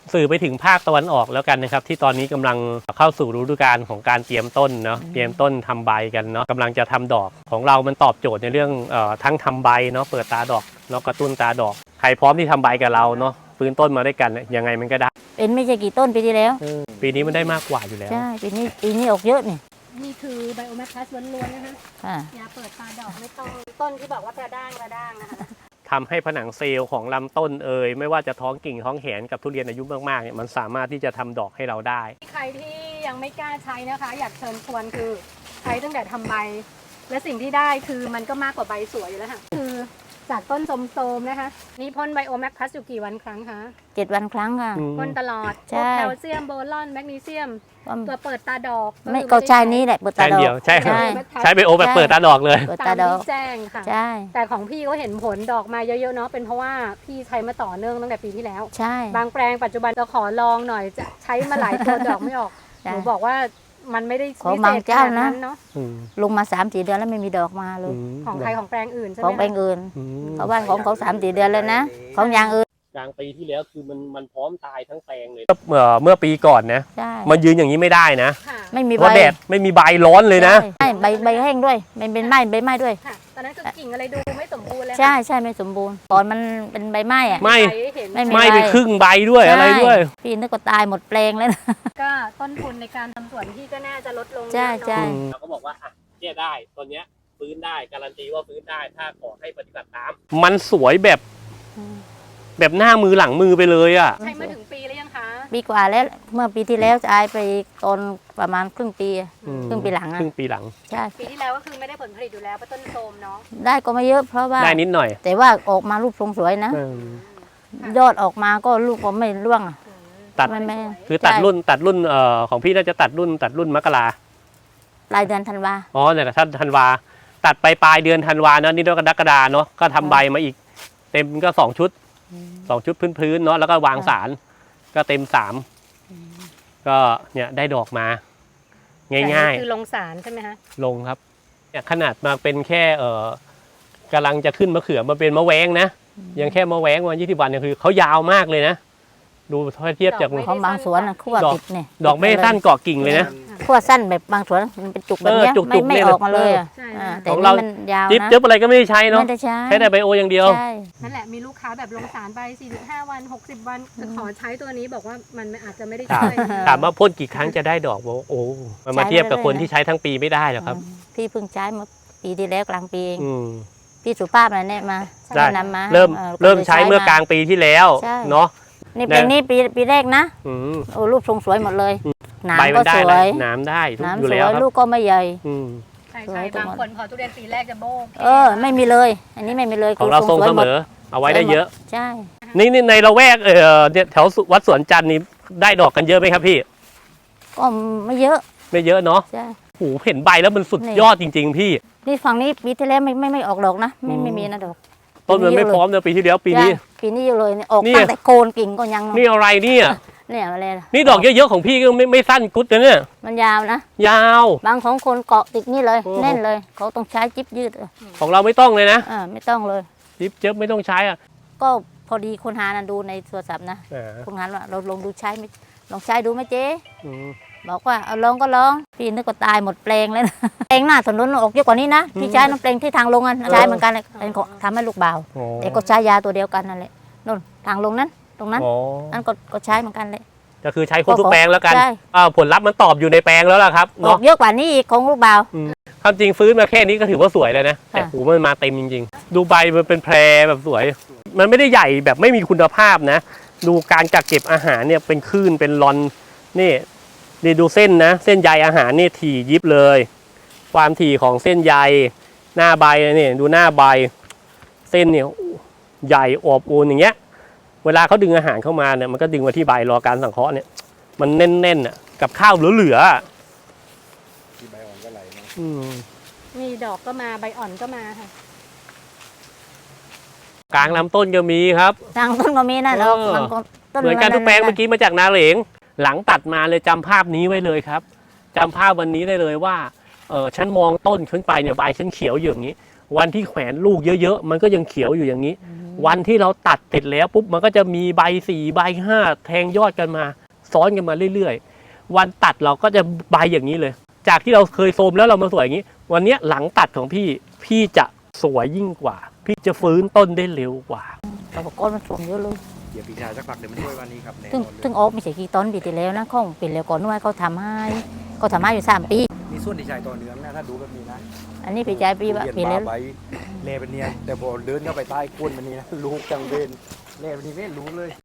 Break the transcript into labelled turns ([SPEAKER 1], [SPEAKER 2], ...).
[SPEAKER 1] สื่อไปถึงภาคตะวันออกแล้วกันนะครับที่ตอนนี้กำลังเข้าสู่ฤดูกาลของการเตรียมต้นเนาะเตรียมต้นทำใบกันเนาะกำลังจะทำดอกของเรามันตอบโจทย์ในเรื่องทั้งทำใบเนาะเปิดตาดอกเนาะกระตุ้นตาดอกใครพร้อมที่ทำใบกับเราเนาะฟื้นต้นมาด้วยกันยังไงมันก็ได้
[SPEAKER 2] เป็นไม่ใช่กี่ต้นปีที่แล้ว
[SPEAKER 1] ปีนี้มันได้มากกว่าอยู่แล้ว
[SPEAKER 2] ใช่ปีนี้ออกเยอะ
[SPEAKER 3] นี่คือไบโอแมคคัสล้วนๆนะคะยาเปิดตาดอกไม่ต้องต้นที่บอกว่ากระด้างนะคะ
[SPEAKER 1] ทำให้ผนังเซลล์ของลำต้นไม่ว่าจะท้องกิ่งท้องแขนกับทุเรียนอายุมากๆเนี่ยมันสามารถที่จะทำดอกให้เราได้
[SPEAKER 3] ใครที่ยังไม่กล้าใช้นะคะอยากเชิญชวนคือใช้ตั้งแต่ทำใบและสิ่งที่ได้คือมันก็มากกว่าใบสวยอยู่แล้วค่ะคือจากต้นโทรมๆนะคะนี่พ่นไบโอแมคคัสอยู่กี่วันครั้งคะ
[SPEAKER 2] 7 วันครั้งค่ะ
[SPEAKER 3] พ่นตลอดแคลเซียมโบรอนแมกนีเซียมตัวเปิดตาดอก
[SPEAKER 2] ไม่ก็ใช้นี้แหละเปิดตาดอก
[SPEAKER 1] ใช้ไบโอแบบเปิดตาดอกเลย
[SPEAKER 2] เปิดตาดอก
[SPEAKER 3] แจ้งค่ะ
[SPEAKER 2] ใช่
[SPEAKER 3] แต่ของพี่ก็เห็นผลดอกมาเยอะๆเนาะเป็นเพราะว่าพี่ใช้มาต่อเนื่องตั้งแต่ปีที่แล้ว
[SPEAKER 2] ใช่
[SPEAKER 3] บางแปลงปัจจุบันจะขอลองหน่อยจะใช้มาหลายตัวดอกไม่ออกหนูบอกว่ามันไม่ได้
[SPEAKER 2] ของบางเจ้านะ
[SPEAKER 3] เนาะ
[SPEAKER 2] ลงมา 3-4 เดือนแล้วไม่มีดอกมาเลย
[SPEAKER 3] ของใครของแปลงอื่นใช่ไหม
[SPEAKER 2] ของแปลงอื่นเขาบ้านของเขา3-4 เดือนเลยนะของอย่างอื่น
[SPEAKER 1] กลางปีที่แล้วคือมันพร้อมตายทั้งแปลงเลยเมื่อปีก่อนนะมันยืนอย่างนี้ไม่ได้นะ
[SPEAKER 2] ไม่มี
[SPEAKER 1] ใบแดดไม่มีใบร้อนเลยนะ
[SPEAKER 2] ใบแห้งด้วยมันเป็นใบไม้ด้วย
[SPEAKER 3] ตอนนั้นคือกิ่งอะไรดูไม่สมบูรณ์เลย
[SPEAKER 2] ใช่ไม่สมบูรณ์ก่อนมันเป็นใบไม้อะ
[SPEAKER 1] ไม่ไปครึ่งใบด้วยอะไรด้วย
[SPEAKER 2] พี่นึกว่าตายหมดแปลงแล้ว
[SPEAKER 3] ก็ต้นทุนในการทำสวนที่ก็น่าจะลดลง
[SPEAKER 2] ใช่
[SPEAKER 1] เราก็บอกว่าเนี่ยได้ตัวเนี้ยฟื้นได้การันตีว่าฟื้นได้ถ้าขอให้ปฏิบัติตามมันสวยแบบหน้ามือหลังมือไปเลยอ่ะ
[SPEAKER 3] ใช้มาถึงปีแล้วยังคะ
[SPEAKER 2] ปีกว่าแล้วเมื่อปีที่แล้วจะไปตอนประมาณครึ่งปีหลัง
[SPEAKER 1] ครึ่งปีหลัง
[SPEAKER 2] ใช่
[SPEAKER 3] ปีที่แล้วก็คือไม่ได้ผลผลิตอยู่แล้วเพราะต้นโทรมเนาะ
[SPEAKER 2] ได้ก็ไม่เยอะเพราะว่า
[SPEAKER 1] ได้นิดหน่อย
[SPEAKER 2] แต่ว่าออกมารูปทรงสวยนะยอดออกมาก็ลูกก็ไม่ร่วง
[SPEAKER 1] ตัดคือตัดรุ่นของพี่น่าจะตัดรุ่นมกรา
[SPEAKER 2] ปลายเดือนธันวา
[SPEAKER 1] อ๋อเนี่ยท่านธันวาตัดไปปลายเดือนธันวาเนาะนี่กรกฎาเนาะก็ทำใบมาอีกเต็มก็2 ชุดพื้นเนาะแล้วก็วางสารก็เต็ม3ก็เนี่ยได้ดอกมาง่าย
[SPEAKER 3] ๆคือลงสารใช่ไหมคะ
[SPEAKER 1] ลงครับเนี่ยขนาดมาเป็นแค่กำลังจะขึ้นมะเขือมาเป็นมะแวงนะยังแค่มะแวงวัน20 วันเนี่ยคือเขายาวมากเลยนะดูเทียบจาก
[SPEAKER 2] ของบางสวนขั้วติดเนี่ย
[SPEAKER 1] ดอกไม่สั้นเกาะกิ่งเลยนะ
[SPEAKER 2] ขั้วสั้นแบบบางสวนมันเป็นจุกแบบนี้ไม่ออกมาเลยแต่
[SPEAKER 1] ของเราจิ๊บเจ็บอะไรก็ไม่ได้ใช้เนาะใช้แต่ไบโออย่างเดียว
[SPEAKER 3] นั่นแหละมีลูกค้าแบบลงสารไป45 วัน60 วันขอใช้ตัวนี้บอกว่ามันอาจจะไม่ได้ช่วย
[SPEAKER 1] ถามว่าพ่นกี่ครั้งจะได้ดอกโอ้มันมาเทียบกับคนที่ใช้ทั้งปีไม่ได้หรอกครับ
[SPEAKER 2] พี่เพิ่งใช้มาปีที่แล้วกลางปีเองพี่สุภาพอะไรเนี่ยมา
[SPEAKER 1] นำมาเริ่มใช้เมื่อกลางปีที่แล้วเนาะ
[SPEAKER 2] นี่เป็นนี่ปีแรกนะโอ้รูปทรงสวยหมดเลยหนามก็สวย
[SPEAKER 1] หนามได้
[SPEAKER 2] อยู่แล้วลูกก็ไม่ใหญ่
[SPEAKER 3] ใช่บางคนพอทุเรียนปีแรกจะโบ้
[SPEAKER 2] ไม่มีเลยอันนี้ไม่มีเลย
[SPEAKER 1] ของเราทรงเสมอเอาไว้ได้เยอะ
[SPEAKER 2] ใช่
[SPEAKER 1] นี่ในละแวกเนี่ยแถววัดสวนจันทร์นี่ได้ดอกกันเยอะไหมครับพี่
[SPEAKER 2] ก็ไม่เยอะ
[SPEAKER 1] เนาะโอ้โหเห็นใบแล้วมันสุดยอดจริงๆพี่
[SPEAKER 2] นี่ฝั่งนี้ปีที่แล้วไม่ออกดอกนะไม่มีนะดอก
[SPEAKER 1] ต้นมันไม่พร้อมเลยปีที่แล้วปีนี้
[SPEAKER 2] อยู่เลยออกตั้งแต่โคนกิ่งก็ยัง
[SPEAKER 1] นี่อะไรเนี่ย
[SPEAKER 2] อะไร
[SPEAKER 1] นี่ดอกเยอะๆของพี่ก็ไม่สั้นกุ๊ดนะเนี่ย
[SPEAKER 2] มันยาวนะ
[SPEAKER 1] ยาว
[SPEAKER 2] บางของคนเกาะติดนี่เลยแน่นเลยเขาต้องใช้จิ๊บยืด
[SPEAKER 1] ของเราไม่ต้องเลยนะ
[SPEAKER 2] ไม่ต้องเลย
[SPEAKER 1] จิ๊บเจ็บไม่ต้องใช้อ่ะ
[SPEAKER 2] ก็พอดีคนหาดูในโทรศัพท์นะคนหาว่าเราลองดูใช้ไหมลองใช้ดูไหมเจ๊บอกว่าเอาลองก็ลองพี่นึกว่าตายหมดแปลงเลยแปลงหน้าถนนออกเยอะกว่านี้นะพี่ใช้น้ำแปลงที่ทางลงใช้เหมือนกันเลยทำให้ลูกเบาแต่ก็ใช้ยาตัวเดียวกันนั่นแหละนู่นทางลงนั้นตรงนั้นนั่นก็ใช้เหมือนกันเลย
[SPEAKER 1] ก็คือใช้คนทุกแปลงแล้วกันผลลัพธ์มันตอบอยู่ในแปลงแล้วล่ะครับ
[SPEAKER 2] ออกเยอะกว่านี้อีกของลูกเบา
[SPEAKER 1] ความจริงฟื้นมาแค่นี้ก็ถือว่าสวยเลยนะแต่หูมันมาเต็มจริงๆดูใบมันเป็นแพรแบบสวยมันไม่ได้ใหญ่แบบไม่มีคุณภาพนะดูการกักเก็บอาหารเนี่ยเป็นคลื่นเป็นรอนนี่ดูเส้นนะเส้นใยอาหารนี่ถี่ยิบเลยความถี่ของเส้นใยหน้าใบนี่ดูหน้าใบเส้นเนี่ยใหญ่อวบอุ่นอย่างเงี้ยเวลาเขาดึงอาหารเข้ามาเนี่ยมันก็ดึงมาที่ใบรอการสังเคราะห์เนี่ยมันแน่นๆอ่ะกับข้าวเหลือ
[SPEAKER 4] ที่ใบอ่อนก็ไหลนะ
[SPEAKER 3] มีดอกก็มาใบอ่อนก็มาค่ะ
[SPEAKER 1] กลางลำต้นก็มีครับ
[SPEAKER 2] กลางต้นก็มีนะดอก
[SPEAKER 1] เหมือนกันทุกแปลงเมื่อกี้มาจากนาเหลงหลังตัดมาเลยจำภาพนี้ไว้เลยครับจำภาพวันนี้ได้เลยว่าฉันมองต้นขึ้นไปเนี่ยใบฉันเขียวอยู่อย่างนี้วันที่แขวนลูกเยอะๆมันก็ยังเขียวอยู่อย่างนี้วันที่เราตัดเสร็จแล้วปุ๊บมันก็จะมีใบ4ใบ5แทงยอดกันมาซ้อนกันมาเรื่อยๆวันตัดเราก็จะใบอย่างนี้เลย จากที่เราเคยโทรมแล้วเรามาสวยอย่างนี้ วันนี้หลังตัดของพี่จะสวยยิ่งกว่า พี่จะฟื้นต้นได้เร็วกว่า
[SPEAKER 2] แต่ว่าก้อนมันสวมเยอะเลย
[SPEAKER 4] เดี๋ยวพี่ชายสักพักเดี๋ยวมันช่วยวันนี้ครับแน่น
[SPEAKER 2] ซึ่ง
[SPEAKER 4] อนเลย
[SPEAKER 2] ซึ่งออกไม่ใช่กี่ต้นปีที่แล้วนะของปีแล้วก่อนนู้นเขาทำให้อยู่3 ปี
[SPEAKER 4] มีส่วนที่ชายต่อเนื่องนะถ้าดูแบบนี้นะ
[SPEAKER 2] อันนี้ปีใจปีว่าปี
[SPEAKER 4] เรี
[SPEAKER 2] แล้
[SPEAKER 4] ยน
[SPEAKER 2] ว
[SPEAKER 4] มาใบเล่เป็นเนียนแต่พอเดินเข้าไปใต้ก้นมันนี่นะลูกจังเวนเล่เป็นนี่ไม่รู้เลย